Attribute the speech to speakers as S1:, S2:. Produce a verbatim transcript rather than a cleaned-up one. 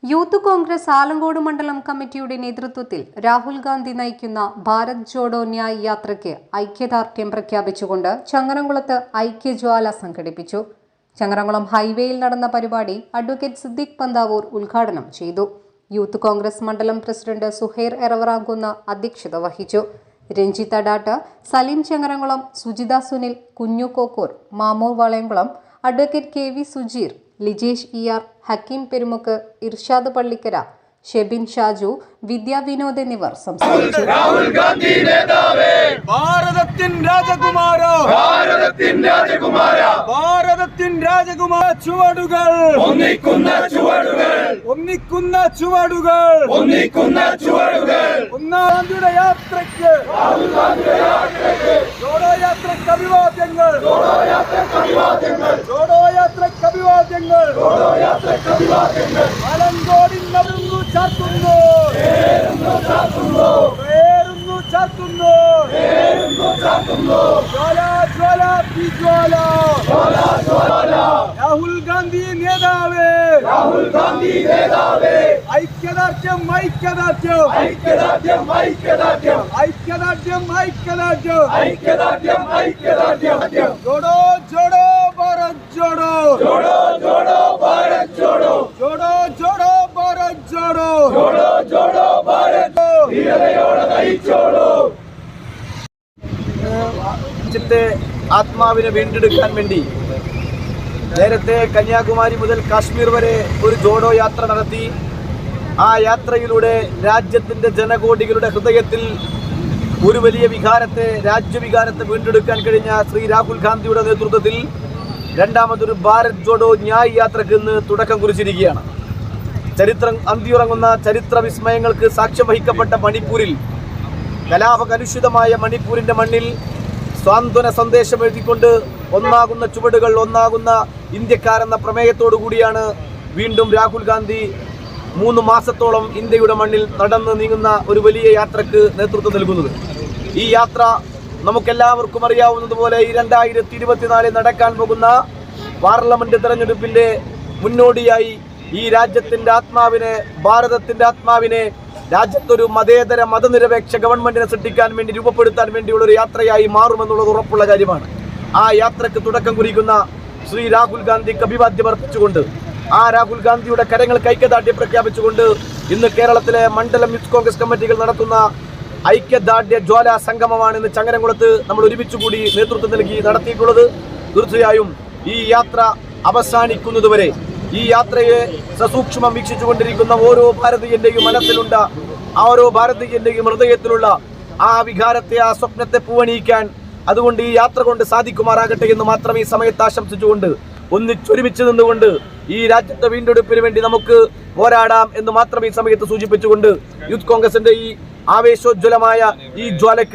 S1: Youth Congress Alankode മണ്ഡലം കമ്മിറ്റിയുടെ നേതൃത്വത്തിൽ രാഹുൽ ഗാന്ധി നയിക്കുന്ന ഭാരത് ജോഡോ ന്യായ് യാത്രയ്ക്ക് ഐക്യദാർഢ്യം പ്രഖ്യാപിച്ചുകൊണ്ട് ചങ്ങരംകുളത്ത് ഐക്യജ്വാല സംഘടിപ്പിച്ചു. ചങ്ങരംകുളം ഹൈവേയിൽ നടന്ന പരിപാടി അഡ്വക്കേറ്റ് സിദ്ദിഖ് പന്താവൂർ ഉദ്ഘാടനം ചെയ്തു. യൂത്ത് കോൺഗ്രസ് മണ്ഡലം പ്രസിഡന്റ് സുഹൈർ എറവറാങ്കുന്ന അധ്യക്ഷത വഹിച്ചു. Ranjith Adat, Saleem Changaramkulam, Sujitha Sunil, Kunju Kokkur, Mamur Valayamkulam, advocate K V Sujeer, Lijesh E R, Hakeem Perumukku, Irshad Pallikkara, Shebin Shaju, Vidya Vinod എന്നിവർ സംസാരിച്ചു.
S2: രാഹുൽ ഗാന്ധി നേതാവേ, ഭാരതത്തിൻ രാജകുമാര, ഭാരതത്തിൻ രാജകുമാര, ഭാരതത്തിൻ രാജകുമാര, ചുവടുകൾ ഒന്നിക്കുന്ന ചുവടുകൾ, ഒന്നിക്കുന്ന ചുവടുകൾ, ഒന്നിക്കുന്ന ചുവടുകൾ, ഒന്നാം ഗാന്ധിയുടെ യാത്രയ്ക്ക്, രാഹുൽ ഗാന്ധിയുടെ യാത്രയ്ക്ക്, ജോഡോ യാത്രയ്ക്ക് അഭിവാദ്യങ്ങൾ, ജോഡോ യാത്രയ്ക്ക് അഭിവാദ്യങ്ങൾ, ജോഡോ യാത്രയ്ക്ക് അഭിവാദ്യങ്ങൾ, ജോഡോ യാത്രയ്ക്ക് അഭിവാദ്യങ്ങൾ. ആലങ്കോടിൻ നടുങ്ങു ചാർത്തുന്നു, പേരുന്നു ചാർത്തുന്നു, പേരുന്നു ചാർത്തുന്നു, പേരുന്നു ചാർത്തുന്നു, ജ്വാല ജ്വാല ജ്വാല, ജ്വാല ജ്വാല. രാഹുൽ ഗാന്ധി നേതാവേ, രാഹുൽ ഗാന്ധി നേതാവേ, ഐക്യദാർഢ്യം ഐക്യദാർഢ്യം ഐക്യദാർഢ്യം ഐക്യദാർഢ്യം ഐക്യദാർഢ്യം ഐക്യദാർഢ്യം ഐക്യദാർഢ്യം ഐക്യദാർഢ്യം. ജോഡോ ജോഡോ ഭാരത് ജോഡോ, ജോഡോ ജോഡോ ഭാരത് ജോഡോ, ജോഡോ ജോഡോ ഭാരത് ജോഡോ, ജോഡോ ജോഡോ ഭാരത് ധീരതയോടെ നയിച്ചോളൂ. രാജ്യത്തെ ആത്മാവിനെ വീണ്ടെടുക്കാൻ വേണ്ടി നേരത്തെ കന്യാകുമാരി മുതൽ കാശ്മീർ വരെ ഒരു ജോഡോ യാത്ര നടത്തി. ആ യാത്രയിലൂടെ രാജ്യത്തിൻ്റെ ജനകോടികളുടെ ഹൃദയത്തിൽ ഒരു വലിയ വികാരത്തെ, രാജ്യവികാരത്തെ വീണ്ടെടുക്കാൻ കഴിഞ്ഞ ശ്രീ രാഹുൽ ഗാന്ധിയുടെ നേതൃത്വത്തിൽ രണ്ടാമതൊരു ഭാരത് ജോഡോ ന്യായ് യാത്രയ്ക്ക് ഇന്ന് തുടക്കം കുറിച്ചിരിക്കുകയാണ്. ചരിത്രം അന്തിയുറങ്ങുന്ന ചരിത്ര വിസ്മയങ്ങൾക്ക് സാക്ഷ്യം വഹിക്കപ്പെട്ട മണിപ്പൂരിൽ, കലാപകലുഷിതമായ മണിപ്പൂരിൻ്റെ മണ്ണിൽ സ്വാന്തന സന്ദേശം എഴുതിക്കൊണ്ട് ഒന്നാകുന്ന ചുവടുകൾ, ഒന്നാകുന്ന ഇന്ത്യക്കാരെന്ന പ്രമേയത്തോടു കൂടിയാണ് വീണ്ടും രാഹുൽ ഗാന്ധി മൂന്ന് മാസത്തോളം ഇന്ത്യയുടെ മണ്ണിൽ നടന്ന് നീങ്ങുന്ന ഒരു വലിയ യാത്രക്ക് നേതൃത്വം നൽകുന്നത്. ഈ യാത്ര നമുക്കെല്ലാവർക്കും അറിയാവുന്നതുപോലെ ഈ രണ്ടായിരത്തി ഇരുപത്തിനാലിൽ നടക്കാൻ പോകുന്ന പാർലമെന്റ് തെരഞ്ഞെടുപ്പിൻ്റെ മുന്നോടിയായി ഈ രാജ്യത്തിൻ്റെ ആത്മാവിനെ, ഭാരതത്തിൻ്റെ ആത്മാവിനെ രാജ്യത്തൊരു മതേതര മതനിരപേക്ഷ ഗവൺമെന്റിനെ സൃഷ്ടിക്കാൻ വേണ്ടി, രൂപപ്പെടുത്താൻ വേണ്ടിയുള്ള ഒരു യാത്രയായി മാറുമെന്നുള്ളത് ഉറപ്പുള്ള കാര്യമാണ്. ആ യാത്രക്ക് തുടക്കം കുറിക്കുന്ന ശ്രീ രാഹുൽ ഗാന്ധിക്ക് അഭിവാദ്യം അർപ്പിച്ചുകൊണ്ട്, ആ രാഹുൽ ഗാന്ധിയുടെ കരങ്ങൾക്ക് ഐക്യദാർഢ്യം പ്രഖ്യാപിച്ചുകൊണ്ട് ഇന്ന് കേരളത്തിലെ മണ്ഡലം യൂത്ത് കോൺഗ്രസ് കമ്മിറ്റികൾ നടത്തുന്ന ഐക്യദാർഢ്യ ജ്വാല സംഗമമാണ് ഇന്ന് ചങ്ങരംകുളത്ത് നമ്മൾ ഒരുമിച്ച് കൂടി നേതൃത്വം നൽകി നടത്തിയിട്ടുള്ളത്. തീർച്ചയായും ഈ യാത്ര അവസാനിക്കുന്നതുവരെ ഈ യാത്രയെ സസൂക്ഷ്മം വീക്ഷിച്ചുകൊണ്ടിരിക്കുന്ന ഓരോ ഭാരതീയന്റെയും മനസ്സിലുണ്ട്, ആ ഓരോ ഭാരതീയന്റെയും ഹൃദയത്തിലുള്ള ആ വികാരത്തെ, ആ സ്വപ്നത്തെ പൂവണിയിക്കാൻ അതുകൊണ്ട് ഈ യാത്ര കൊണ്ട് സാധിക്കുമാറാകട്ടെ എന്ന് മാത്രം ഈ സമയത്ത് ആശംസിച്ചുകൊണ്ട്, ഒന്നിച്ചൊരുമിച്ച് നിന്നുകൊണ്ട് ഈ രാജ്യത്തെ വീണ്ടെടുപ്പിന് വേണ്ടി നമുക്ക് പോരാടാം എന്ന് മാത്രം ഈ സമയത്ത് സൂചിപ്പിച്ചുകൊണ്ട് യൂത്ത് കോൺഗ്രസിന്റെ ഈ ആവേശോജ്വലമായ ഈ ജ്വാലയ്ക്ക്